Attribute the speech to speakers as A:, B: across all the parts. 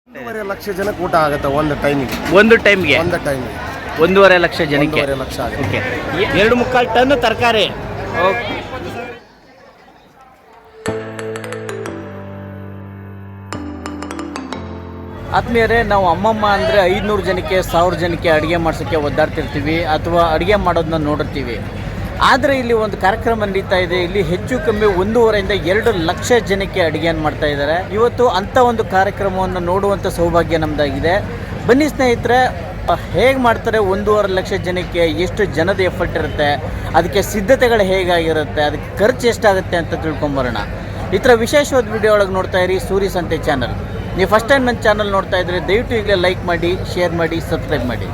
A: 1.5 ಲಕ್ಷ ಜನಕ್ಕೆ ಊಟ ಆಗುತ್ತೆ ಒಂದು ಟೈಮಿಗೆ.
B: 1.5 ಲಕ್ಷ ಜನಕ್ಕೆ
A: 1.5 ಲಕ್ಷ ಆಗುತ್ತೆ.
B: ಓಕೆ. 2.25 ಟನ್ ತರಕಾರಿ. ಓಕೆ. ಆದ್ಮೇಲೆ ನಾವು ಅಮ್ಮಮ್ಮ ಅಂದರೆ 500 ಜನಕ್ಕೆ 1000 ಜನಕ್ಕೆ ಅಡುಗೆ ಮಾಡ್ಸೋಕ್ಕೆ ಒದ್ದಾಡ್ತಿರ್ತೀವಿ ಅಥವಾ ಅಡುಗೆ ಮಾಡೋದನ್ನ ನೋಡಿರ್ತೀವಿ. ಆದರೆ ಇಲ್ಲಿ ಒಂದು ಕಾರ್ಯಕ್ರಮ ನಡೀತಾ ಇದೆ. ಇಲ್ಲಿ ಹೆಚ್ಚು ಕಮ್ಮಿ 1.5 ಇಂದ 2 ಲಕ್ಷ ಜನಕ್ಕೆ ಅಡುಗೆಯನ್ನು ಮಾಡ್ತಾ ಇದ್ದಾರೆ. ಇವತ್ತು ಅಂಥ ಒಂದು ಕಾರ್ಯಕ್ರಮವನ್ನು ನೋಡುವಂಥ ಸೌಭಾಗ್ಯ ನಮ್ಮದಾಗಿದೆ. ಬನ್ನಿ ಸ್ನೇಹಿತರೆ, ಹೇಗೆ ಮಾಡ್ತಾರೆ, 1.5 ಲಕ್ಷ ಜನಕ್ಕೆ ಎಷ್ಟು ಜನದ ಎಫರ್ಟ್ ಇರುತ್ತೆ, ಅದಕ್ಕೆ ಸಿದ್ಧತೆಗಳು ಹೇಗಾಗಿರುತ್ತೆ, ಅದಕ್ಕೆ ಖರ್ಚು ಎಷ್ಟಾಗುತ್ತೆ ಅಂತ ತಿಳ್ಕೊಂಬರೋಣ. ಈ ಥರ ವಿಶೇಷವಾದ ವಿಡಿಯೋ ಒಳಗೆ ನೋಡ್ತಾ ಇರಿ ಸೂರಿ ಸಂತೆ ಚಾನಲ್. ನೀವು ಫಸ್ಟ್ ಟೈಮ್ ನನ್ನ ಚಾನಲ್ ನೋಡ್ತಾ ಇದ್ದರೆ ದಯವಿಟ್ಟು ಈಗಲೇ ಲೈಕ್ ಮಾಡಿ, ಶೇರ್ ಮಾಡಿ, ಸಬ್ಸ್ಕ್ರೈಬ್ ಮಾಡಿ.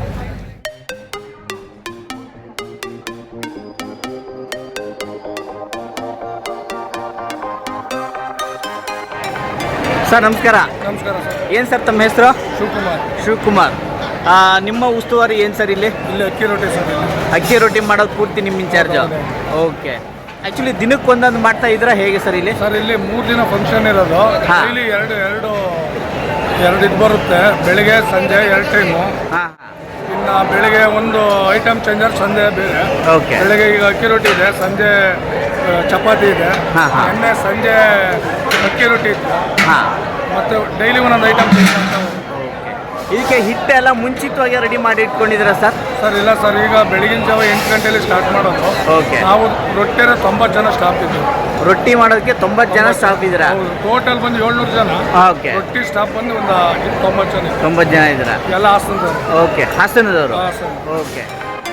B: ಸರ್ ನಮಸ್ಕಾರ.
A: ನಮಸ್ಕಾರ ಸರ್.
B: ಏನು ಸರ್ ತಮ್ಮ ಹೆಸರು?
A: ಶಿವಕುಮಾರ್.
B: ನಿಮ್ಮ ಉಸ್ತುವಾರಿ ಏನು ಸರ್ ಇಲ್ಲಿ
A: ಅಕ್ಕಿ ರೊಟ್ಟಿ ಸರ್.
B: ಅಕ್ಕಿ ರೊಟ್ಟಿ ಮಾಡೋದು ಪೂರ್ತಿ ನಿಮ್ಮ ಇನ್ಚಾರ್ಜು? ಓಕೆ. ಆ್ಯಕ್ಚುಲಿ ದಿನಕ್ಕೆ ಒಂದೊಂದು ಮಾಡ್ತಾ ಇದ್ದೀರಾ ಹೇಗೆ ಸರ್ ಇಲ್ಲಿ?
A: ಸರ್ ಇಲ್ಲಿ 3 ದಿನ ಫಂಕ್ಷನ್ ಇರೋದು. ಇಲ್ಲಿ ಎರಡು ಇದು ಬರುತ್ತೆ. ಬೆಳಿಗ್ಗೆ ಸಂಜೆ 2 ಟೈಮು.
B: ಹಾಂ.
A: ಇನ್ನು ಬೆಳಿಗ್ಗೆ ಒಂದು ಐಟಮ್ ಚೇಂಜರ್, ಸಂಜೆ ಬೇರೆ.
B: ಓಕೆ.
A: ಬೆಳಿಗ್ಗೆ ಈಗ ಅಕ್ಕಿ ರೊಟ್ಟಿ ಇದೆ, ಸಂಜೆ ಚಪಾತಿ ಇದೆ. ಎಣ್ಣೆ ಸಂಜೆ ಅಕ್ಕಿ ರೊಟ್ಟಿ ಇತ್ತು.
B: ಹಾಂ.
A: ಮತ್ತು ಡೈಲಿ ಒಂದೊಂದು ಐಟಮ್ ಚೇಂಜ್ ಮಾಡ್ತಾ ಹೋಗ್ತೀವಿ.
B: ಇದಕ್ಕೆ ಹಿಟ್ಟೆಲ್ಲ ಮುಂಚಿತವಾಗಿ ರೆಡಿ ಮಾಡಿ ಇಟ್ಕೊಂಡಿದ್ದೀರಾ ಸರ್?
A: ಸರ್ ಇಲ್ಲ ಸರ್, ಈಗ ಬೆಳಗಿನ ಜಾವ 8 ಗಂಟೆಯಲ್ಲಿ ಸ್ಟಾರ್ಟ್ ಮಾಡೋದು.
B: ಓಕೆ.
A: ನಾವು ರೊಟ್ಟಿನ 90 ಜನ ಸ್ಟಾಫ್ ಇದ್ದೀವಿ.
B: ರೊಟ್ಟಿ ಮಾಡೋದಕ್ಕೆ 90 ಜನ ಸ್ಟಾಫ್ ಇದ್ದೀರಾ?
A: ಟೋಟಲ್ ಬಂದು 700 ಜನ.
B: ಓಕೆ.
A: ರೊಟ್ಟಿ ಸ್ಟಾಫ್ ಬಂದು ಒಂದು 90 ಜನ.
B: 90 ಜನ ಇದ್ದೀರಾ?
A: ಎಲ್ಲ ಹಾಸನದವರು.
B: ಓಕೆ. ಹಾಸನದವರು.
A: ಹಾಸನ.
B: ಓಕೆ.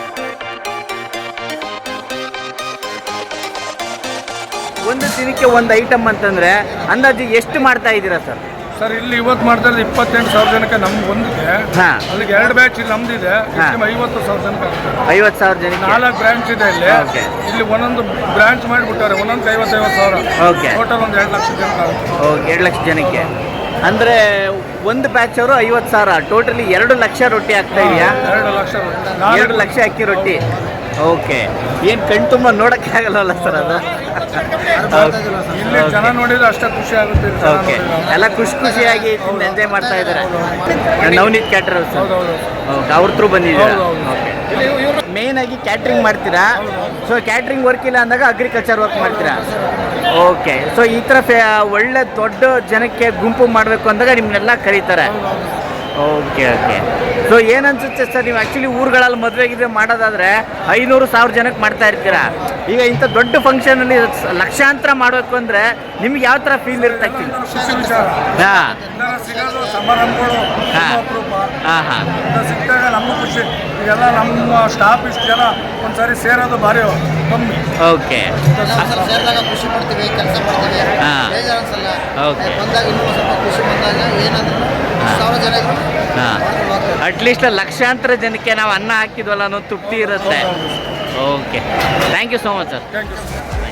B: ಒಂದು ದಿನಕ್ಕೆ ಒಂದು ಐಟಮ್ ಅಂತಂದರೆ ಅಂದಾಜು ಎಷ್ಟು ಮಾಡ್ತಾ ಇದ್ದೀರಾ ಸರ್?
A: ಸರ್ ಇಲ್ಲಿ ಇವತ್ತು ಮಾಡ್ತಾ ಇರೋದು 28,000 ಜನಕ್ಕೆ ನಮ್ಗೆ ಒಂದಿದೆ.
B: ಹಾಂ.
A: ಅಲ್ಲಿಗೆ 2 ಬ್ಯಾಚ್ ಇಲ್ಲಿ ನಮ್ದಿದೆ. 50,000 ಜನಕ್ಕೆ ಆಗುತ್ತೆ.
B: 50,000 ಜನಕ್ಕೆ
A: 4 ಬ್ರಾಂಚ್ ಇದೆ ಇಲ್ಲಿ.
B: ಓಕೆ.
A: ಇಲ್ಲಿ ಒಂದೊಂದು ಬ್ರಾಂಚ್ ಮಾಡಿಬಿಟ್ಟಾರೆ. ಒಂದೊಂದು 50,000.
B: ಓಕೆ.
A: ಟೋಟಲ್ ಒಂದು 2 ಲಕ್ಷ ಜನಕ್ಕೆ ಆಗುತ್ತೆ.
B: ಓಕೆ. 2 ಲಕ್ಷ ಜನಕ್ಕೆ ಅಂದರೆ ಒಂದು ಬ್ಯಾಚ್ ಅವರು 50,000, ಟೋಟಲಿ 2 ಲಕ್ಷ ರೊಟ್ಟಿ ಆಗ್ತಾ ಇದೆಯಾ?
A: 2 ಲಕ್ಷ ರೊಟ್ಟಿ.
B: 2 ಲಕ್ಷ ಅಕ್ಕಿ ರೊಟ್ಟಿ. ಓಕೆ. ಏನು ಕಣ್ ತುಂಬ ನೋಡೋಕ್ಕೆ ಆಗಲ್ಲವಲ್ಲ ಸರ್ ಅದು?
A: ಇಲ್ಲಿ ಜನ ನೋಡಿದ್ರೆ ಅಷ್ಟೇ ಖುಷಿ ಆಗುತ್ತೆ.
B: ಓಕೆ. ಎಲ್ಲ ಖುಷಿಯಾಗಿ ಎಂಜಾಯ್ ಮಾಡ್ತಾ ಇದ್ದಾರೆ. Navneet cater sir. ಓಕೆ. ಅವ್ರ ಥ್ರೂ ಬಂದಿದ್ದೀರಾ? ಓಕೆ. ಮೇನ್ ಆಗಿ ಕ್ಯಾಟ್ರಿಂಗ್ ಮಾಡ್ತೀರಾ? ಸೊ ಕ್ಯಾಟ್ರಿಂಗ್ ವರ್ಕ್ ಇಲ್ಲ ಅಂದಾಗ ಅಗ್ರಿಕಲ್ಚರ್ ವರ್ಕ್ ಮಾಡ್ತೀರಾ? ಓಕೆ. ಸೊ ಈ ಥರ ಒಳ್ಳೆ ದೊಡ್ಡ ಜನಕ್ಕೆ ಗುಂಪು ಮಾಡಬೇಕು ಅಂದಾಗ ನಿಮ್ಮನ್ನೆಲ್ಲ ಕರೀತಾರೆ. ಓಕೆ. ಓಕೆ. ಸೊ ಏನನ್ಸುತ್ತೆ ಸರ್, ನೀವು ಆ್ಯಕ್ಚುಲಿ ಊರುಗಳಲ್ಲಿ ಮದುವೆಗಿದ್ರೆ ಮಾಡೋದಾದರೆ 500-1000 ಜನಕ್ಕೆ ಮಾಡ್ತಾ ಇರ್ತೀರಾ. ಈಗ ಇಂಥ ದೊಡ್ಡ ಫಂಕ್ಷನಲ್ಲಿ ಲಕ್ಷಾಂತರ ಮಾಡಬೇಕು ಅಂದರೆ ನಿಮ್ಗೆ ಯಾವ ಥರ ಫೀಲ್ ಇರುತ್ತೆ ಆ್ಯಕ್ಚುಲಿ? ಹಾಂ.
A: ಸಮಾರಂಭಗಳು
B: ಹಾಂ. ಹಾಂ.
A: ಸಿಕ್ಕಾಗ ನಮಗೂ ಖುಷಿ. ಈಗೆಲ್ಲ ನಮ್ಮ ಸ್ಟಾಫ್ ಇಷ್ಟು ಜನ ಒಂದ್ಸರಿ ಸೇರೋದು ಭಾರಿ ಕಮ್ಮಿ.
B: ಓಕೆ.
C: ಸೇರಿದಾಗ ಖುಷಿ ಪಡ್ತೀವಿ, ಕೆಲಸ ಮಾಡ್ತೀವಿ, ಬೇಜಾರು ಅನ್ಸಲ್ಲ.
B: ಓಕೆ.
C: ಬಂದಾಗ ಇನ್ನೂ ಸ್ವಲ್ಪ ಖುಷಿ ಬಂದಾಗ ಏನಂದ್ರೆ 1000 ಜನ ಇದ್ರು.
B: ಹಾಂ. ಅಟ್ಲೀಸ್ಟ್ ಲಕ್ಷಾಂತರ ಜನಕ್ಕೆ ನಾವು ಅನ್ನ ಹಾಕಿದ್ವಲ್ಲ ಅನ್ನೋ ತೃಪ್ತಿ ಇರುತ್ತೆ. Okay. Thank you so much sir.
A: Thank you.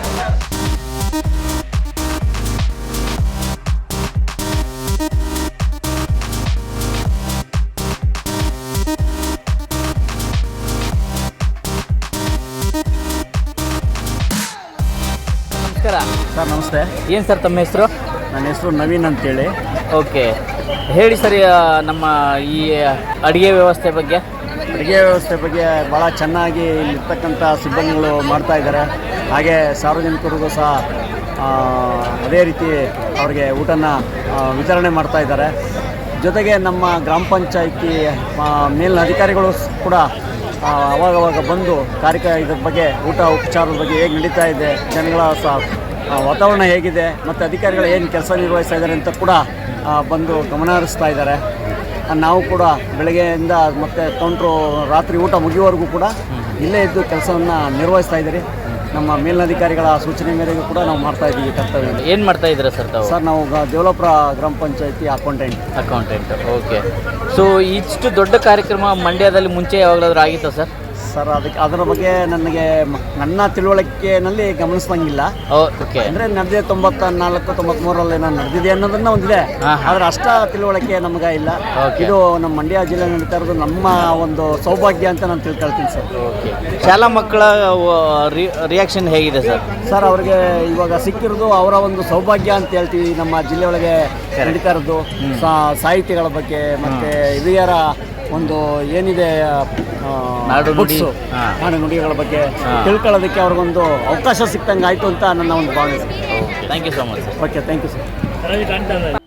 B: ನಮಸ್ಕಾರ
D: ಸರ್. ನಮಸ್ತೆ.
B: ಏನು ಸರ್ ತಮ್ಮ ಹೆಸರು?
D: ನನ್ನ ಹೆಸರು ನವೀನ್ ಅಂತೇಳಿ.
B: ಓಕೆ. ಹೇಳಿ ಸರ್, ನಮ್ಮ ಈ ಅಡುಗೆ ವ್ಯವಸ್ಥೆ ಬಗ್ಗೆ.
D: ಅಡುಗೆ ವ್ಯವಸ್ಥೆ ಬಗ್ಗೆ ಭಾಳ ಚೆನ್ನಾಗಿ ಇಲ್ಲಿರ್ತಕ್ಕಂಥ ಸಿಬ್ಬಂದಿಗಳು ಮಾಡ್ತಾ ಇದ್ದಾರೆ. ಹಾಗೆ ಸಾರ್ವಜನಿಕರಿಗೂ ಸಹ ಅದೇ ರೀತಿ ಅವ್ರಿಗೆ ಊಟನ ವಿತರಣೆ ಮಾಡ್ತಾ ಇದ್ದಾರೆ. ಜೊತೆಗೆ ನಮ್ಮ ಗ್ರಾಮ ಪಂಚಾಯಿತಿ ಮೇಲಿನ ಅಧಿಕಾರಿಗಳು ಕೂಡ ಅವಾಗವಾಗ ಬಂದು ಇದ್ರ ಬಗ್ಗೆ ಊಟ ಉಪಚಾರದ ಬಗ್ಗೆ ಹೇಗೆ ನಡೀತಾ ಇದೆ, ಜನಗಳ ವಾತಾವರಣ ಹೇಗಿದೆ ಮತ್ತು ಅಧಿಕಾರಿಗಳು ಏನು ಕೆಲಸ ನಿರ್ವಹಿಸ್ತಾ ಇದ್ದಾರೆ ಅಂತ ಕೂಡ ಬಂದು ಗಮನ ಹರಿಸ್ತಾ ಇದ್ದಾರೆ. ನಾವು ಕೂಡ ಬೆಳಗ್ಗೆಯಿಂದ ಮತ್ತು ಕೌಂಟ್ರು ರಾತ್ರಿ ಊಟ ಮುಗಿಯುವವರೆಗೂ ಕೂಡ ಇಲ್ಲೇ ಇದ್ದು ಕೆಲಸವನ್ನು ನಿರ್ವಹಿಸ್ತಾ ಇದ್ದೀರಿ. ನಮ್ಮ ಮೇಲಧಿಕಾರಿಗಳ ಸೂಚನೆ ಮೇರೆಗೆ ಕೂಡ ನಾವು ಮಾಡ್ತಾ ಇದ್ದೀವಿ ಕರ್ತವ್ಯ.
B: ಏನು ಮಾಡ್ತಾ ಇದ್ದೀರಾ ಸರ್ ತಾವು?
D: ಸರ್ ನಾವು ದೇವಲಾಪುರ ಗ್ರಾಮ ಪಂಚಾಯಿತಿ ಅಕೌಂಟೆಂಟ್.
B: ಓಕೆ. ಸೊ ಇಷ್ಟು ದೊಡ್ಡ ಕಾರ್ಯಕ್ರಮ ಮಂಡ್ಯದಲ್ಲಿ ಮುಂಚೆ ಯಾವಾಗಲಾದ್ರೂ ಆಗಿತ್ತಾ ಸರ್?
D: ಸರ್ ಅದರ ಬಗ್ಗೆ ನನಗೆ ನನ್ನ ತಿಳುವಳಿಕೆಯಲ್ಲಿ ಗಮನಿಸ್ದಂಗಿಲ್ಲ.
B: ಓಕೆ.
D: ಅಂದರೆ ನಡೆದಿದೆ 94, 93ರಲ್ಲಿ ನಾನು ನಡೆದಿದೆ ಅನ್ನೋದನ್ನ ಒಂದಿದೆ, ಆದರೆ ಅಷ್ಟ ತಿಳುವಳಿಕೆ ನಮಗೆ ಇಲ್ಲ. ಇದು ನಮ್ಮ ಮಂಡ್ಯ ಜಿಲ್ಲೆ ನಡೀತಾ ಇರೋದು ನಮ್ಮ ಒಂದು ಸೌಭಾಗ್ಯ ಅಂತ ನಾನು ತಿಳ್ಕೊಳ್ತೀನಿ ಸರ್.
B: ಓಕೆ. ಶಾಲಾ ಮಕ್ಕಳ ರಿಯಾಕ್ಷನ್ ಹೇಗಿದೆ ಸರ್?
D: ಸರ್ ಅವ್ರಿಗೆ ಇವಾಗ ಸಿಕ್ಕಿರೋದು ಅವರ ಒಂದು ಸೌಭಾಗ್ಯ ಅಂತ ಹೇಳ್ತೀವಿ. ನಮ್ಮ ಜಿಲ್ಲೆಯೊಳಗೆ ನಡೀತಾ ಇರೋದು ಸಾಹಿತಿಗಳ ಬಗ್ಗೆ ಮತ್ತು ಹಿರಿಯರ ಒಂದು ಏನಿದೆ ಬುಕ್ಸು ನಾಡು ನುಡಿಗಳ ಬಗ್ಗೆ ತಿಳ್ಕೊಳ್ಳೋದಕ್ಕೆ ಅವ್ರಿಗೊಂದು ಅವಕಾಶ ಸಿಕ್ತಂಗೆ ಆಯಿತು ಅಂತ ನನ್ನ ಒಂದು ಭಾವನೆ sir.
B: Thank you so much sir.
D: Okay, thank you sir.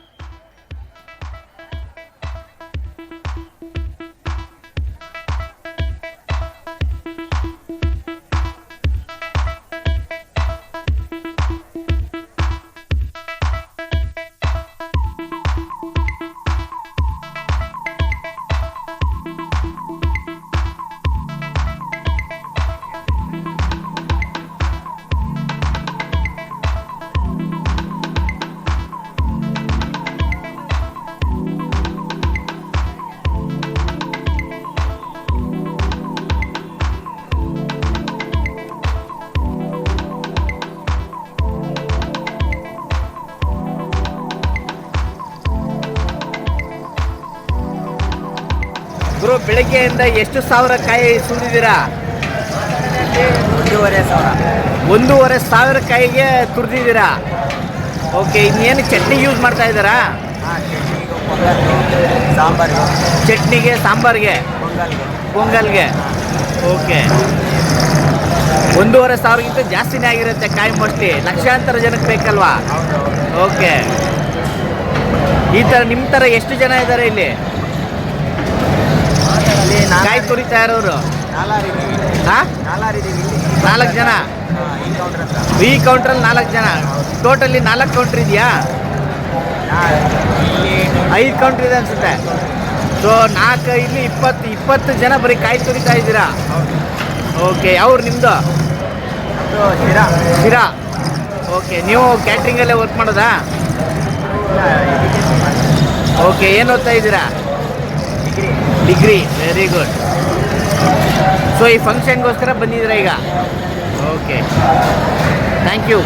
B: ಗುರು, ಬೆಳಗ್ಗೆಯಿಂದ ಎಷ್ಟು ಸಾವಿರ ಕಾಯಿ ಸುರಿದಿದ್ದೀರಾ? 1,500 ಸಾವಿರ ಕಾಯಿಗೆ ತುರಿದಿದ್ದೀರಾ. ಓಕೆ. ಇನ್ನೇನು ಚಟ್ನಿ ಯೂಸ್ ಮಾಡ್ತಾ ಇದ್ದಾರಾ? ಚಟ್ನಿಗೆ, ಸಾಂಬಾರಿಗೆ, ಪೊಂಗಲ್ಗೆ. ಓಕೆ. 1,500ಗಿಂತ ಜಾಸ್ತಿನೇ ಆಗಿರುತ್ತೆ ಕಾಯಿ. ಮೋಸ್ಟ್ಲಿ ಲಕ್ಷಾಂತರ ಜನಕ್ಕೆ ಬೇಕಲ್ವಾ? ಓಕೆ. ಈ ಥರ ನಿಮ್ಮ ಥರ ಎಷ್ಟು ಜನ ಇದ್ದಾರೆ ಇಲ್ಲಿ ಕಾಯಿ ತುರಿತಾ ಇರೋರು? 4 ಜನ. ಈ ಕೌಂಟ್ರಲ್ಲಿ 4 ಜನ. ಟೋಟಲಿ 4 ಕೌಂಟ್ರ್ ಇದೆಯಾ? 5 ಕೌಂಟ್ರ್ ಇದೆ ಅನ್ಸುತ್ತೆ. ಸೊ 4 ಇಲ್ಲಿ 20 ಜನ ಬರೀ ಕಾಯಿ ತುರಿತಾ ಇದ್ದೀರಾ. ಓಕೆ. ಅವ್ರು ನಿಮ್ಮದು ಶಿರಾ. ಓಕೆ. ನೀವು ಕ್ಯಾಟ್ರಿಂಗಲ್ಲೇ ವರ್ಕ್ ಮಾಡೋದಾ? ಓಕೆ. ಏನು ಓದ್ತಾ ಇದ್ದೀರಾ? ಡಿಗ್ರಿ. Very good. ಸೊ ಈ ಫಂಕ್ಷನ್ಗೋಸ್ಕರ ಬಂದಿದ್ದೀರಾ ಈಗ? Okay, thank you.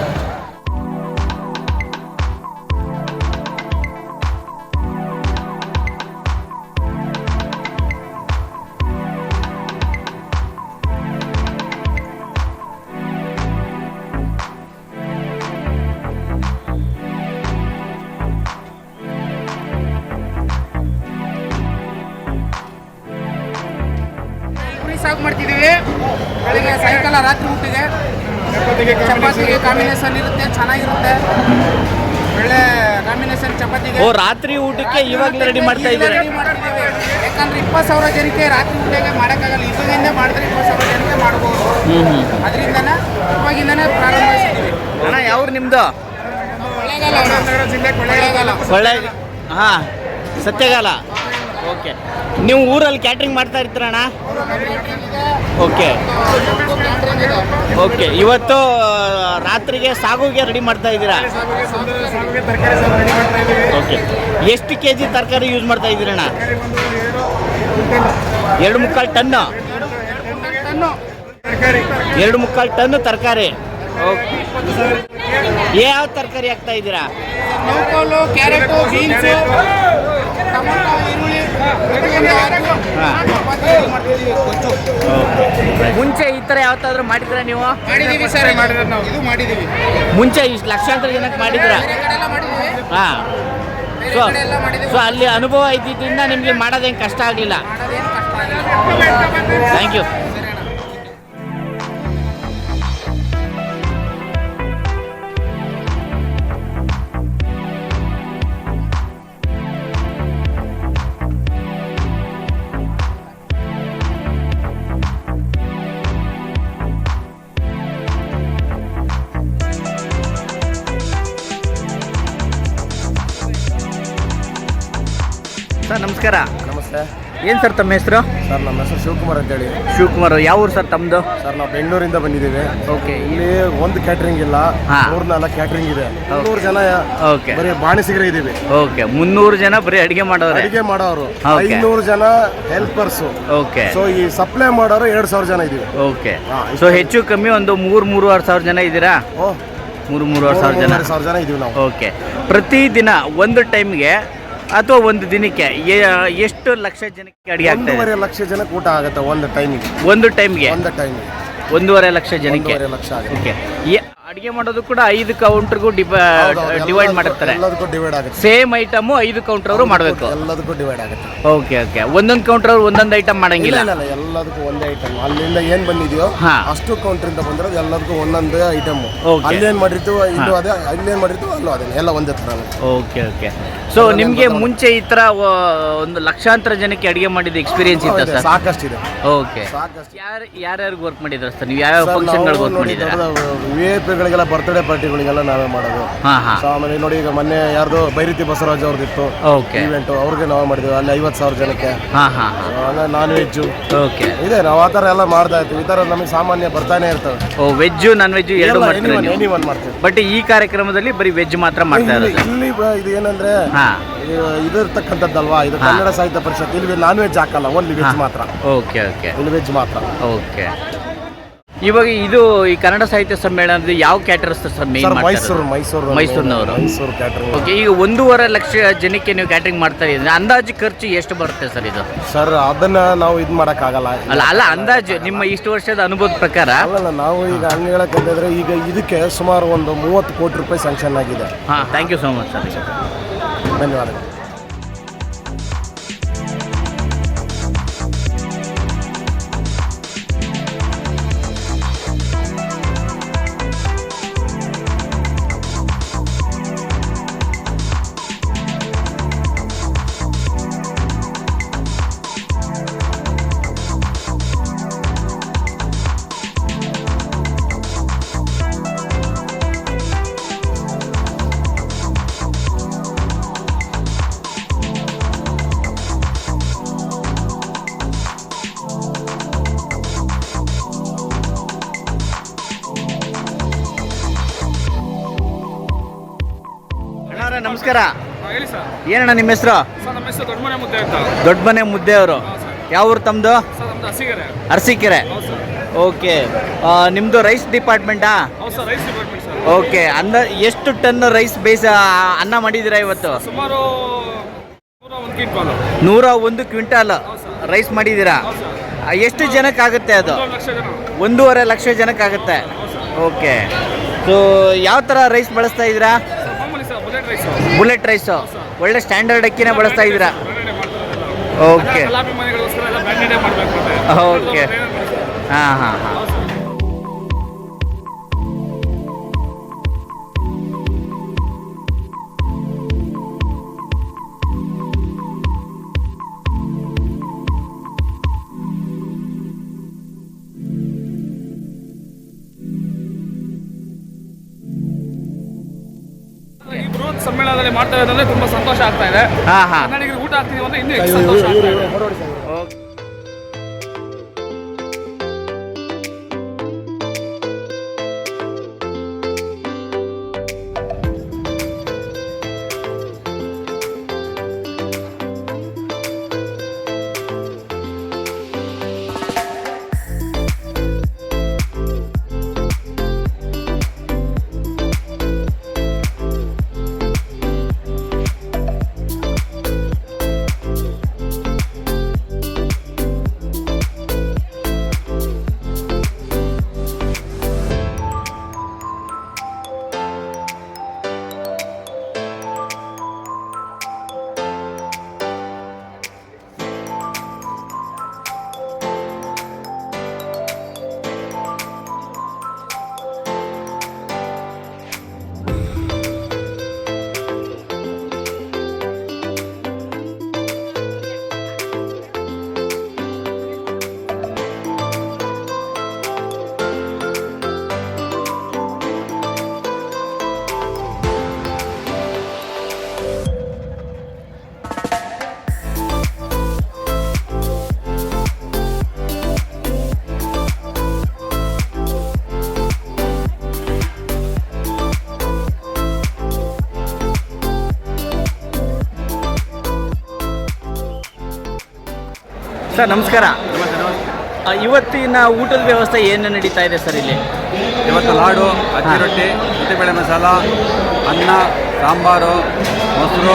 C: ಸಾಕು ಮಾಡ್ತಿದ್ದೀವಿ. ಬೆಳಿಗ್ಗೆ, ಸಾಯಂಕಾಲ, ರಾತ್ರಿ ಊಟಿಗೆ ಚಪಾತಿಗೆ ಕಾಂಬಿನೇಷನ್ ಇರುತ್ತೆ, ಚೆನ್ನಾಗಿರುತ್ತೆ. ಒಳ್ಳೆ ಕಾಂಬಿನೇಷನ್ ಚಪಾತಿಗೆ.
B: ರಾತ್ರಿ ಊಟಕ್ಕೆ ಇವಾಗಲೇ ರೆಡಿ ಮಾಡ್ತಾ ಇದ್ದೀರಾ?
C: ಯಾಕಂದ್ರೆ 20,000 ಜನಕ್ಕೆ ರಾತ್ರಿ ಊಟಕ್ಕೆ ಮಾಡೋಕ್ಕಾಗಲ್ಲ. ಇವಾಗಿಂದ ಮಾಡಿದ್ರೆ 20,000 ಜನಕ್ಕೆ ಮಾಡ್ಬೋದು. ಅದರಿಂದನೇ ಇವಾಗಿಂದನೇ ಪ್ರಾರಂಭಿಸಿದ್ದೀವಿ.
B: ಅಣ್ಣ, ಯಾವ್ರು ನಿಮ್ಮದು? ಕೊಳ್ಳೇಗಾಲ. ಹಾಂ, ಸತ್ಯಗಾಲ. ಓಕೆ. ನೀವು ಊರಲ್ಲಿ ಕ್ಯಾಟ್ರಿಂಗ್ ಮಾಡ್ತಾ ಇರ್ತೀರಣ್ಣ? ಓಕೆ. ಓಕೆ. ಇವತ್ತು ರಾತ್ರಿಗೆ ಸಾಗುಗೆ ರೆಡಿ ಮಾಡ್ತಾ ಇದ್ದೀರಾ? ಓಕೆ. ಎಷ್ಟು kg ತರಕಾರಿ ಯೂಸ್ ಮಾಡ್ತಾ ಇದ್ದೀರಣ್ಣ? 2.25 ಟನ್ನು. 2.25 ಟನ್ನು ತರಕಾರಿ. ಓಕೆ. ಯಾವ ತರಕಾರಿ ಹಾಕ್ತಾ ಇದ್ದೀರಾ?
C: ನೌಕೋಲು, ಕ್ಯಾರೆಟು, ಬೀನ್ಸು, ಟೊಮೊಟೊ, ಈರುಳ್ಳಿ.
B: ಮುಂಚೆ ಈ ಥರ ಯಾವತ್ತಾದ್ರೂ ಮಾಡಿದ್ರ ನೀವು?
C: ಮಾಡಿದೀವಿ ಸರ್. ಇದು ಮಾಡಿದೀವಿ.
B: ಮುಂಚೆ ಇಷ್ಟು ಲಕ್ಷಾಂತರ ಜನಕ್ಕೆ ಮಾಡಿದ್ರ? ಹಾಂ. ಸೊ ಅಲ್ಲಿ ಅನುಭವ ಇದ್ದಿದ್ದರಿಂದ ನಿಮಗೆ ಮಾಡೋದೇನು ಕಷ್ಟ ಆಗಲಿಲ್ಲ. Thank you. ಸರ್, ನಮಸ್ಕಾರ.
E: ನಮಸ್ತೆ.
B: ಏನು ಸರ್ ತಮ್ಮ ಹೆಸರು?
A: ಸರ್ ನಮ್ಮ ಹೆಸರು ಶಿವಕುಮಾರ್ ಅಂತೇಳಿ.
B: ಶಿವಕುಮಾರ್, ಯಾವ ಊರು ಸರ್ ತಮ್ಮದು?
A: ಸರ್ ನಾವು ಬೆಂಗಳೂರಿಂದ ಬಂದಿದ್ದೀವಿ.
B: ಓಕೆ.
A: ಇಲ್ಲಿ ಒಂದು ಕ್ಯಾಟ್ರಿಂಗ್ ಇಲ್ಲ, 3-4 ಕ್ಯಾಟ್ರಿಂಗ್ ಇದೆ. 300 ಜನ
B: ಓಕೆ
A: ಬರೀ ಬಾಣಿಸಿಗರೇ ಇದ್ದೀವಿ.
B: ಓಕೆ, 300 ಜನ ಬರೀ ಅಡುಗೆ ಮಾಡೋರು.
A: ಅಡಿಗೆ ಮಾಡೋರು
B: Okay.
A: 500 ಜನ ಹೆಲ್ಪರ್ಸ್.
B: ಓಕೆ.
A: ಸೊ ಈ ಸಪ್ಲೈ ಮಾಡೋರು 2,000 ಜನ ಇದೀವಿ.
B: ಓಕೆ. ಸೊ ಹೆಚ್ಚು ಕಮ್ಮಿ ಒಂದು 3-3.5 ಸಾವಿರ ಜನ ಇದ್ದೀರಾ? 3-3.5 ಸಾವಿರ ಜನ.
A: 3,000 ಜನ ಇದೀವಿ ನಾವು.
B: ಓಕೆ. ಪ್ರತಿದಿನ ಒಂದು ಟೈಮ್ಗೆ ಅಥವಾ ಒಂದು ದಿನಕ್ಕೆ ಎಷ್ಟು ಲಕ್ಷ ಜನಕ್ಕೆ ಅಡುಗೆ ಆಗ್ತದೆ?
A: 1.5 ಲಕ್ಷ ಜನಕ್ಕೆ ಊಟ ಆಗುತ್ತೆ ಒಂದು ಟೈಮಿಗೆ.
B: ಒಂದು ಟೈಮ್ಗೆ 1.5 ಲಕ್ಷ ಜನಕ್ಕೆ.
A: 1.5 ಲಕ್ಷ ಆಗುತ್ತೆ.
B: ಓಕೆ. ಅಡುಗೆ ಮಾಡೋದು ಕೂಡ 5 ಕೌಂಟರ್ಗೂ ಡಿವೈಡ್ ಮಾಡಿರ್ತಾರೆ.
A: ಎಲ್ಲದಕ್ಕೂ ಡಿವೈಡ್ ಆಗುತ್ತೆ.
B: ಸೇಮ್ ಐಟಮು 5 ಕೌಂಟರ್ ಅವರು ಮಾಡಬೇಕು.
A: ಎಲ್ಲದಕ್ಕೂ ಡಿವೈಡ್ ಆಗುತ್ತೆ.
B: Okay okay. ಒಂದೊಂದು ಕೌಂಟರ್ ಅವರು ಒಂದೊಂದು ಐಟಮ್ ಮಾಡಂಗಿಲ್ಲ.
A: ಇಲ್ಲ, ಎಲ್ಲದಕ್ಕೂ ಒಂದೇ ಐಟಮ್. ಅಲ್ಲಿಂದ ಏನ್ ಬಂದಿದೆಯೋ ಅಷ್ಟು ಕೌಂಟರ್ ಇಂದ ಬಂದಿರೋದು ಎಲ್ಲದಕ್ಕೂ ಒಂದೊಂದೇ ಐಟಮ್. ಅಲ್ಲೇನ್ ಮಾಡಿರ್ತೀವೋ ಇಲ್ಲೂ ಅದೇ, ಅಲ್ಲೇನ್ ಮಾಡಿರ್ತೀವೋ ಅಲ್ಲೂ ಅದೇ, ಎಲ್ಲ ಒಂದೇ ತರ.
B: Okay okay. ಸೊ ನಿಮಗೆ ಮುಂಚೆ ಈ ತರ ಒಂದು ಲಕ್ಷಾಂತರ ಜನಕ್ಕೆ ಅಡುಗೆ ಮಾಡಿದ ಎಕ್ಸ್ಪೀರಿಯನ್ಸ್ ಇತ್ತ ಸರ್?
A: ಸಾಕಷ್ಟಿದೆ.
B: ಓಕೆ. ಯಾರ್ಯಾರಿಗೆ ವರ್ಕ್ ಮಾಡಿದ್ರ ಸರ್ ನೀವು? ಯಾವ ಫಂಕ್ಷನ್ಗಳಿಗೆ ವರ್ಕ್ ಮಾಡಿದ್ದೀರಾ?
A: ಗಳಿಗೆಲ್ಲ ಬರ್ತ್ಡೇ ಪಾರ್ಟಿಗಳಿಗೆಲ್ಲ ನಾವೇ ಮಾಡೋದು. ಸೊ ಆಮೇಲೆ ನೋಡಿ, ಈಗ ಮೊನ್ನೆ ಯಾರ್ದು ಬೈರತಿ ಬಸವರಾಜ್ ಅವ್ರದ್ದಿತ್ತು ಇವೆಂಟ್, ಅವ್ರಿಗೆ ನಾವೇ ಮಾಡಿದ್ವಿ. ಅಲ್ಲಿ 50,000 ಜನಕ್ಕೆ. ನಾನ್ ವೆಜ್ ಇದೆ. ನಾವು ಆ ಥರ ಎಲ್ಲ ಮಾಡ್ತಾ ಇರ್ತೀವಿ. ಈ ಥರ ನಮಗೆ ಸಾಮಾನ್ಯ ಬರ್ತಾನೆ ಇರ್ತವೆ.
B: ವೆಜ್ ನಾನ್ ವೆಜ್ ಎರಡು
A: ಮಾಡ್ತೀವಿ.
B: ಬಟ್ ಈ ಕಾರ್ಯಕ್ರಮದಲ್ಲಿ ಬರೀ ವೆಜ್ ಮಾತ್ರ ಮಾಡ್ತಾ ಇರೋದು.
A: ಇಲ್ಲಿ ಇದು ಏನಂದ್ರೆ ಇದಿರ್ತಕ್ಕಂಥದ್ದಲ್ವಾ, ಇದು ಕನ್ನಡ ಸಾಹಿತ್ಯ ಪರಿಷತ್. ಇಲ್ಲಿ ನಾನ್ ವೆಜ್ ಹಾಕಲ್ಲ, ಓನ್ಲಿ ವೆಜ್ ಮಾತ್ರ.
B: Okay okay.
A: ಇಲ್ಲಿ ವೆಜ್ ಮಾತ್ರ.
B: ಓಕೆ. ಇವಾಗ ಇದು ಈ ಕನ್ನಡ ಸಾಹಿತ್ಯ ಸಮ್ಮೇಳನದ ಯಾವ ಕ್ಯಾಟರರ್ಸ್ ಸರ್ ಮೇನ್? ಮೈಸೂರಿನವರು.
A: ಮೈಸೂರು ಕ್ಯಾಟರಿಂಗ್.
B: ಓಕೆ. ಈಗ 1.5 ಲಕ್ಷ ಜನಕ್ಕೆ ನೀವು ಕ್ಯಾಟರಿಂಗ್ ಮಾಡ್ತಾ ಇದ್ದೀರಿ, ಅಂದಾಜು ಖರ್ಚು ಎಷ್ಟು ಬರುತ್ತೆ ಸರ್ ಇದು?
A: ಸರ್ ಅದನ್ನ ನಾವು ಇದು ಮಾಡೋಕ್ಕಾಗಲ್ಲ.
B: ಅಲ್ಲ ಅಂದಾಜು ನಿಮ್ಮ ಇಷ್ಟು ವರ್ಷದ ಅನುಭವದ ಪ್ರಕಾರ.
A: ಅಲ್ಲ, ನಾವು ಈಗ ಹಂಗೆ ಹೇಳಕ್ಕಂತಂದ್ರೆ ಈಗ ಇದಕ್ಕೆ ಸುಮಾರು ಒಂದು 30 ಕೋಟಿ ರೂಪಾಯಿ ಸ್ಯಾಂಕ್ಷನ್ ಆಗಿದೆ.
B: Thank you so much sir.
A: ಧನ್ಯವಾದಗಳು.
B: ನಮಸ್ಕಾರ.
E: ಹೇಳಿ ಸರ್.
B: ಏನಣ್ಣ ನಿಮ್ಮ ಹೆಸರು?
E: ಸರ್ ನಮ್ಮ ಹೆಸರು ದೊಡ್ಡಮನೆ ಮುದ್ದೆ ಅಂತ.
B: ದೊಡ್ಡಮನೆ ಮುದ್ದೆ ಅವರು. ಯಾವ ಊರು ತಮ್ಮದು?
E: ಸರ್ ನಮ್ದು ಅರಸೀಕೆರೆ.
B: ಅರಸೀಕೆರೆ. ಓಕೆ. ನಿಮ್ಮದು ರೈಸ್ ಡಿಪಾರ್ಟ್ಮೆಂಟಾ?
E: ಹೌದು sir, rice department sir.
B: Okay. ಎಷ್ಟು ಟನ್ ರೈಸ್ ಅನ್ನ ಮಾಡಿದ್ದೀರಾ ಇವತ್ತು?
E: ಸುಮಾರು
B: 101 ಕ್ವಿಂಟಾಲ್ ರೈಸ್ ಮಾಡಿದ್ದೀರಾ? ಎಷ್ಟು ಜನಕ್ಕಾಗುತ್ತೆ ಅದು? 1.5 ಲಕ್ಷ ಜನಕ್ಕಾಗುತ್ತೆ. ಓಕೆ. ಸೊ ಯಾವ ಥರ ರೈಸ್ ಬಳಸ್ತಾ ಇದ್ದೀರಾ? Bullet rice. ಒಳ್ಳೆ ಸ್ಟ್ಯಾಂಡರ್ಡ್ ಅಕ್ಕಿನೇ ಬಳಸ್ತಾ ಇದ್ದೀರಾ? Okay okay. ಹಾಂ.
E: ಈ ಬೃಹತ್ ಸಮ್ಮೇಳನದಲ್ಲಿ ಮಾಡ್ತಾ ಇರೋದಂದ್ರೆ ತುಂಬಾ ಸಂತೋಷ ಆಗ್ತಾ ಇದೆ. ಕನ್ನಡಿಗರಿಗೆ ಊಟ ಆಗ್ತಿದೀವಿ ಅಂದ್ರೆ ಇನ್ನೂ ಹೆಚ್ಚು ಸಂತೋಷ ಆಗ್ತಾ ಇದೆ.
B: ಸರ್ ನಮಸ್ಕಾರ. ಇವತ್ತಿನ ಊಟದ ವ್ಯವಸ್ಥೆ ಏನು ನಡೀತಾ ಇದೆ ಸರ್ ಇಲ್ಲಿ?
F: ಇವತ್ತು ಲಾಡು, ಅಕ್ಕಿ ರೊಟ್ಟಿ, ಉದ್ದಿಬೇಳೆ ಮಸಾಲ, ಅನ್ನ, ಸಾಂಬಾರು, ಮೊಸರು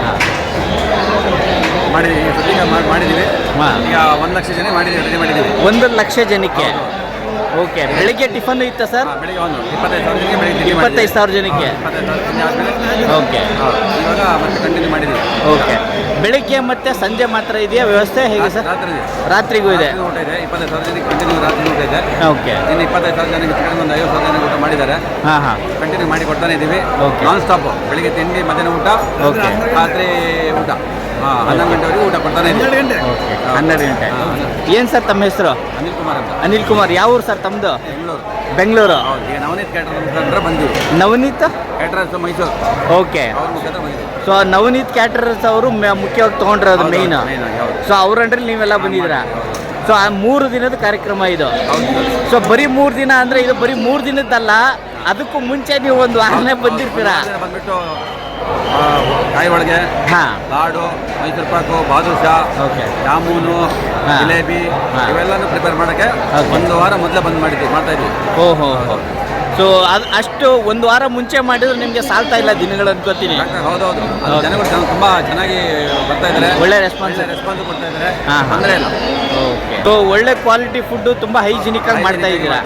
F: ಮಾಡಿದ್ದೀವಿ. ಈಗ ಮಾಡಿದ್ದೀವಿ. ಈಗ 1 ಲಕ್ಷ ಜನ ರೆಡಿ ಮಾಡಿದ್ದೀವಿ.
B: 1 ಲಕ್ಷ ಜನಕ್ಕೆ. ಓಕೆ. ಬೆಳಿಗ್ಗೆ ಟಿಫನ್ ಇತ್ತಾ ಸರ್?
F: ಬೆಳಿಗ್ಗೆ 25,000 ಜನಕ್ಕೆ ಬೆಳಿಗ್ಗೆ
B: 25,000 ಜನಕ್ಕೆ. ಓಕೆ.
F: ಇವಾಗ ಮತ್ತೆ ಕಂಟಿನ್ಯೂ ಮಾಡಿದ್ದೀವಿ.
B: ಓಕೆ. ಬೆಳಿಗ್ಗೆ ಮತ್ತೆ ಸಂಜೆ ಮಾತ್ರ ಇದೆಯಾ ವ್ಯವಸ್ಥೆ ಹೇಗೆ ಸರ್? ರಾತ್ರಿಗೂ ಇದೆ.
F: ಊಟ ಇದೆ. 25,000 ಜನಕ್ಕೆ ಕಂಟಿನ್ಯೂ ರಾತ್ರಿ ಊಟ ಇದೆ.
B: ಓಕೆ.
F: ಇನ್ನು 25,000 ಜನಕ್ಕೆ ಚಿಕನ್ ಒಂದು 50,000 ಜನಕ್ಕೆ ಊಟ ಮಾಡಿದ್ದಾರೆ. ಕಂಟಿನ್ಯೂ ಮಾಡಿ ಕೊಡ್ತಾನೆ ಇದ್ದೀವಿ. Non stop. ಬೆಳಿಗ್ಗೆ ತಿಂಡಿ, ಮಧ್ಯಾಹ್ನ ಊಟ,
B: ಓಕೆ,
F: ರಾತ್ರಿ ಊಟ. 11 ಗಂಟೆವರೆಗೂ ಊಟ ಕೊಡ್ತಾನೆ ಇದ್ದೀವಿ.
B: 12 ಗಂಟೆ. ಏನು ಸರ್ ತಮ್ಮ ಹೆಸರು?
F: ಅನಿಲ್ ಕುಮಾರ್ ಅಂತ.
B: ಅನಿಲ್ ಕುಮಾರ್. ಯಾವ ಊರು ಸರ್ ತಮ್ಮದು?
F: ಬೆಂಗಳೂರು.
B: ಬೆಂಗಳೂರು.
F: ಈಗ ನವನೀತ್ ಕ್ಯಾಟರರ್ಸ್ ಅಂದ್ರೆ ಬಂದಿವಿ.
B: ನವನೀತ್
F: ಕ್ಯಾಟರರ್ಸ್ ಮೈಸೂರು.
B: ಓಕೆ.
F: ಅವ್ರ ಮುಖಾಂತರ ಬಂದಿದ್ದೀವಿ.
B: ಸೊ ನವನೀತ್ ಕ್ಯಾಟರರ್ಸ್ ಅವರು ಮುಖ್ಯವಾಗಿ ತೊಗೊಂಡಿರೋದು ಮೇಯ್ನ್. ಸೊ ಅವ್ರ ಅಂಡ್ರಲ್ಲಿ ನೀವೆಲ್ಲ ಬಂದಿದ್ದೀರಾ. ಸೊ ಆ 3 ದಿನದ ಕಾರ್ಯಕ್ರಮ ಇದು. ಸೊ ಬರೀ 3 ದಿನ ಅಂದರೆ ಇದು ಬರೀ 3 ದಿನದ್ದಲ್ಲ, ಅದಕ್ಕೂ ಮುಂಚೆ ನೀವು ಒಂದು ವಾರನೇ ಬಂದಿರ್ತೀರಾ.
F: ಬಂದ್ಬಿಟ್ಟು ಕಾಯಿ ಒಳಗೆ, ಲಾಡು, ಮೈಸೂರು ಪಾಕು, ಬಾದುಷಾ, ಜಾಮೂನು, ಜಿಲೇಬಿ ಇವೆಲ್ಲನೂ ಪ್ರಿಪೇರ್ ಮಾಡೋಕ್ಕೆ 1 ವಾರ ಮೊದಲೇ ಬಂದ್ ಮಾಡ್ತಾ ಇದ್ವಿ.
B: ಓಹೋ. ಸೊ ಅದು ಅಷ್ಟು 1 ವಾರ ಮುಂಚೆ ಮಾಡಿದ್ರೆ ನಿಮಗೆ ಸಾಲ್ತಾ ಇಲ್ಲ ದಿನಗಳು ಅನ್ಕೋತೀನಿ.
F: ಹೌದೌದು. ಜನಗಳು ತುಂಬಾ ಚೆನ್ನಾಗಿ ಬರ್ತಾ ಇದ್ದಾರೆ.
B: ಒಳ್ಳೆ ರೆಸ್ಪಾನ್ಸ್
F: ಕೊಡ್ತಾ ಇದ್ದಾರೆ. ತೊಂದರೆ ಇಲ್ಲ.
B: ಓಕೆ. ಸೊ ಒಳ್ಳೆ ಕ್ವಾಲಿಟಿ ಫುಡ್ ತುಂಬಾ ಹೈಜಿನಿಕ್ ಆಗಿ ಮಾಡ್ತಾ ಇದ್ದೀರಾ.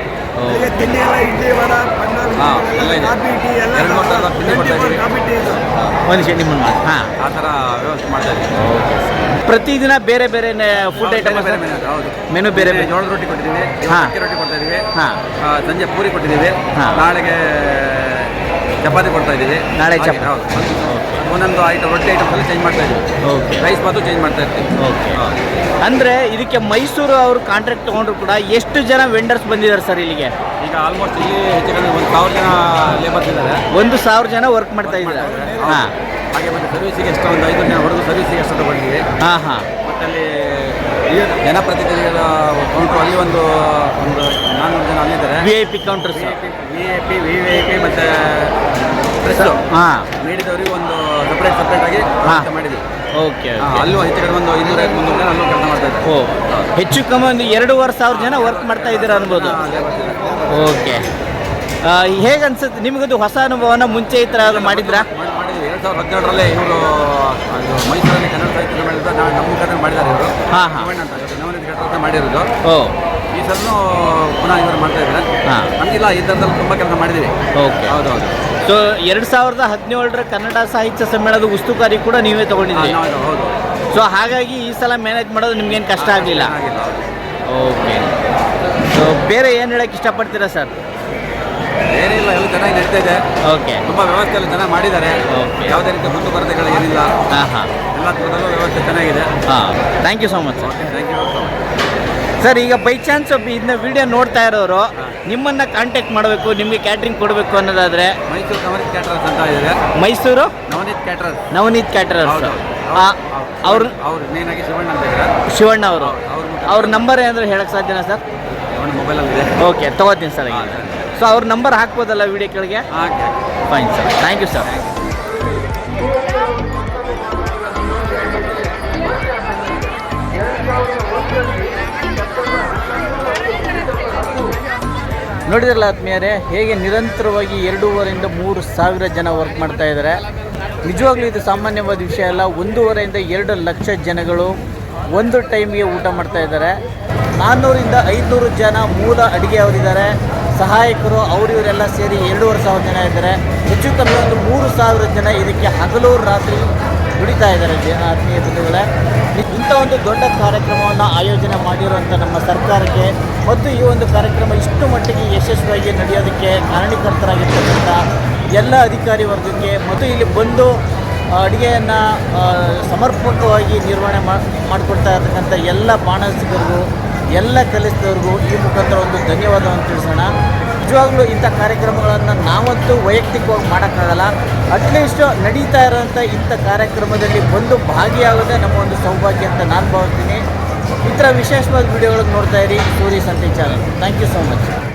F: ಆ ಥರ ವ್ಯವಸ್ಥೆ ಮಾಡ್ತಾ ಇದ್ದೀವಿ.
B: ಪ್ರತಿದಿನ ಬೇರೆ ಬೇರೆ ಫುಡ್ ಐಟಮ್ ಮೆನು ಬೇರೆ ಬೇರೆ.
F: ಜೋಳದ ರೊಟ್ಟಿ ಕೊಟ್ಟಿದ್ದೀವಿ, ಅಕ್ಕಿ ರೊಟ್ಟಿ ಕೊಡ್ತಾ ಇದ್ದೀವಿ, ಸಂಜೆ ಪೂರಿ ಕೊಟ್ಟಿದ್ದೀವಿ, ನಾಳೆಗೆ ಚಪಾತಿ ಕೊಡ್ತಾ ಇದ್ದೀವಿ.
B: ನಾಳೆ
F: ಒಂದೊಂದು ಐಟಮ್ ರೊಟ್ಟಿ ಐಟಮ್ಸ್ ಎಲ್ಲ ಚೇಂಜ್ ಮಾಡ್ತಾ ಇದ್ದೀವಿ. ರೈಸ್ ಬಾತು ಚೇಂಜ್ ಮಾಡ್ತಾ ಇರ್ತೀವಿ.
B: ಅಂದರೆ ಇದಕ್ಕೆ ಮೈಸೂರು ಅವರು ಕಾಂಟ್ರಾಕ್ಟ್ ತೊಗೊಂಡ್ರು ಕೂಡ ಎಷ್ಟು ಜನ ವೆಂಡರ್ಸ್ ಬಂದಿದ್ದಾರೆ ಸರ್ ಇಲ್ಲಿಗೆ?
F: ಈಗ ಆಲ್ಮೋಸ್ಟ್ ಇಲ್ಲಿ ಹೆಚ್ಚು ಕಡಿಮೆ 1,000 ಜನ ಲೇಬರ್ಸ್ ಇದ್ದಾರೆ.
B: 1,000 ಜನ ವರ್ಕ್ ಮಾಡ್ತಾ ಇದ್ದಾರೆ.
F: ಹಾಗೆ ಮತ್ತೆ ಸರ್ವಿಸಿಗೆ ಎಷ್ಟು ಒಂದು 5 ಜನ ಹೊಡೆದು ಸರ್ವಿಸಿಗೆ ಎಷ್ಟು ತಗೊಂಡಿದ್ದೀವಿ. ಮತ್ತೆ ಅಲ್ಲಿ ಜನಪ್ರತಿನಿಧಿಗಳ ಕೌಂಟ್ರು ಅಲ್ಲಿ ಒಂದು 400 ಜನ ಅಲ್ಲಿದ್ದಾರೆ.
B: VIP ಕೌಂಟರ್ಸ್,
F: VIP ಮತ್ತೆ ನೀಡಿದವರಿಗೆ ಒಂದು ಸಪ್ರೇಟ್ ಆಗಿ ಮಾಡಿದ್ವಿ.
B: ಓಕೆ.
F: ಅಲ್ಲೂ ಹೆಚ್ಚು ಕಡಿಮೆ ಒಂದು 200-300 ಜನ ಅಲ್ಲೂ ಕೆಲಸ ಮಾಡ್ತಾ ಇದ್ದಾರೆ.
B: ಹೆಚ್ಚು ಕಮ್ಮಿ ಒಂದು 2,500 ಜನ ವರ್ಕ್ ಮಾಡ್ತಾ ಇದ್ದೀರಾ ಅನ್ಬೋದು. ಓಕೆ. ಹೇಗೆ ಅನ್ಸುತ್ತೆ ನಿಮಗದು ಹೊಸ ಅನುಭವನ? ಮುಂಚೆ ಈ ಥರ ಮಾಡಿದ್ರಾ?
F: ಮಾಡಿದ್ವಿ. 2017ರಲ್ಲೇ ಇವರು ಮೈಸೂರಲ್ಲಿ ಕನ್ನಡ ಸಾಹಿತ್ಯ ಮಾಡಿದ್ರು. ನಮ್ಮ ಮುಖಾಂತರ ಮಾಡಿದ್ದಾರೆ ಇವರು. ನವನೀತ್ ಕ್ಯಾಟರರ್ಸ್ ಮಾಡಿರೋದು. ಈ ಸಲನೂ ಪುನಃ ಇವರು ಮಾಡ್ತಾ ಇದ್ದಾರೆ. ನಮಗಿಲ್ಲ, ಈ ಥರದಲ್ಲಿ ತುಂಬ ಕೆಲಸ ಮಾಡಿದ್ದೀವಿ.
B: ಓಕೆ.
F: ಹೌದೌದು.
B: ಸೊ 2017ರ ಕನ್ನಡ ಸಾಹಿತ್ಯ ಸಮ್ಮೇಳನದ ಉಸ್ತುವಾರಿ ಕೂಡ ನೀವೇ ತಗೊಂಡಿದ್ದೀವಿ.
F: ಹೌದು.
B: ಸೊ ಹಾಗಾಗಿ ಈ ಸಲ ಮ್ಯಾನೇಜ್ ಮಾಡೋದು ನಿಮ್ಗೇನು ಕಷ್ಟ ಆಗಲಿಲ್ಲ. ಓಕೆ. ಸೊ ಬೇರೆ ಏನು ಹೇಳಕ್ಕೆ ಇಷ್ಟಪಡ್ತೀರಾ ಸರ್?
F: ಏನಿಲ್ಲ, ಎಲ್ಲ ಚೆನ್ನಾಗಿ ನಡೀತಾ ಇದೆ.
B: ಓಕೆ.
F: ತುಂಬ ವ್ಯವಸ್ಥೆ ಎಲ್ಲ ಚೆನ್ನಾಗಿ ಮಾಡಿದ್ದಾರೆ. ಯಾವುದೇ ರೀತಿ ಮುಂದುವರೆಗಳು ಏನಿಲ್ಲ. ಎಲ್ಲ ಥರದಲ್ಲೂ ವ್ಯವಸ್ಥೆ ಚೆನ್ನಾಗಿದೆ.
B: Thank you so much sir.
F: Thank you so much
B: sir. ಈಗ ಬೈ ಚಾನ್ಸ್ ಇದನ್ನ ವಿಡಿಯೋ ನೋಡ್ತಾ ಇರೋರು ನಿಮ್ಮನ್ನು ಕಾಂಟ್ಯಾಕ್ಟ್ ಮಾಡಬೇಕು, ನಿಮಗೆ ಕ್ಯಾಟ್ರಿಂಗ್ ಕೊಡಬೇಕು ಅನ್ನೋದಾದರೆ
F: ಮೈಸೂರು ನವನೀತ್ ಕ್ಯಾಟರರ್ಸ್ ಅಂತ ಇದೆ.
B: ಮೈಸೂರು ನವನೀತ್ ಕ್ಯಾಟರರ್ಸ್ ಅವ್ರು
F: ಮೇನ್ ಆಗಿ ಶಿವಣ್ಣ ಅಂತ ಇದ್ದಾರೆ.
B: ಶಿವಣ್ಣ ಅವರು. ಅವ್ರ ನಂಬರ್ ಏನಾದರೂ ಹೇಳಕ್ಕೆ ಸಾಧ್ಯನಾ ಸರ್?
F: ಮೊಬೈಲಲ್ಲಿದೆ.
B: ಓಕೆ, ತೊಗೋತೀನಿ ಸರ್. ಸೊ ಅವ್ರ ನಂಬರ್ ಹಾಕ್ಬೋದಲ್ಲ ವಿಡಿಯೋ ಕೆಳಗೆ? Fine sir. Thank you sir. ನೋಡಿದ್ರಲ್ಲ ಆತ್ಮೀಯರೇ, ಹೇಗೆ ನಿರಂತರವಾಗಿ 2,500 ಇಂದ 3,000 ಜನ ವರ್ಕ್ ಮಾಡ್ತಾ ಇದ್ದಾರೆ. ನಿಜವಾಗ್ಲೂ ಇದು ಸಾಮಾನ್ಯವಾದ ವಿಷಯ ಅಲ್ಲ. 1.5 ಇಂದ 2 ಲಕ್ಷ ಜನಗಳು ಒಂದು ಟೈಮ್ಗೆ ಊಟ ಮಾಡ್ತಾ ಇದ್ದಾರೆ. 400 ಇಂದ 500 ಜನ ಮೂಲ ಅಡುಗೆಯವರಿದ್ದಾರೆ. ಸಹಾಯಕರು ಇವರೆಲ್ಲ ಸೇರಿ 2,500 ಜನ ಇದ್ದಾರೆ. ಹೆಚ್ಚು ಕಮ್ಮಿ ಒಂದು 3,000 ಜನ ಇದಕ್ಕೆ ಹಗಲು ರಾತ್ರಿ ದುಡಿತಾ ಇದ್ದಾರೆ. ಆತ್ಮೀಯ ಬಂಧುಗಳೇ, ಇಂಥ ಒಂದು ದೊಡ್ಡ ಕಾರ್ಯಕ್ರಮವನ್ನು ಆಯೋಜನೆ ಮಾಡಿರುವಂಥ ನಮ್ಮ ಸರ್ಕಾರಕ್ಕೆ ಮತ್ತು ಈ ಒಂದು ಕಾರ್ಯಕ್ರಮ ಇಷ್ಟು ಮಟ್ಟಿಗೆ ಯಶಸ್ವಿಯಾಗಿ ನಡೆಯೋದಕ್ಕೆ ಕಾರಣೀಕರ್ತರಾಗಿರ್ತಕ್ಕಂಥ ಎಲ್ಲ ಅಧಿಕಾರಿ ವರ್ಗಕ್ಕೆ ಮತ್ತು ಇಲ್ಲಿ ಬಂದು ಅಡುಗೆಯನ್ನು ಸಮರ್ಪಕವಾಗಿ ನಿರ್ವಹಣೆ ಮಾಡಿಕೊಡ್ತಾ ಇರ್ತಕ್ಕಂಥ ಎಲ್ಲ ಬಾಣಸಿಗರಿಗೂ, ಎಲ್ಲ ಕೆಲಸದವ್ರಿಗೂ ಈ ಮುಖಾಂತರ ಒಂದು ಧನ್ಯವಾದವನ್ನು ತಿಳಿಸೋಣ. ನಿಜವಾಗ್ಲೂ ಇಂಥ ಕಾರ್ಯಕ್ರಮಗಳನ್ನು ನಾವಂತೂ ವೈಯಕ್ತಿಕವಾಗಿ ಮಾಡೋಕ್ಕಾಗಲ್ಲ. ಅಟ್ಲೀಸ್ಟ್ ನಡೀತಾ ಇರೋಂಥ ಇಂಥ ಕಾರ್ಯಕ್ರಮದಲ್ಲಿ ಬಂದು ಭಾಗಿಯಾಗೋದೇ ನಮ್ಮ ಒಂದು ಸೌಭಾಗ್ಯ ಅಂತ ನಾನು ಭಾವಿಸ್ತೀನಿ. ಈ ಥರ ವಿಶೇಷವಾದ ವಿಡಿಯೋಗಳನ್ನು ನೋಡ್ತಾ ಇರಿ Suri Sante channel. Thank you so much.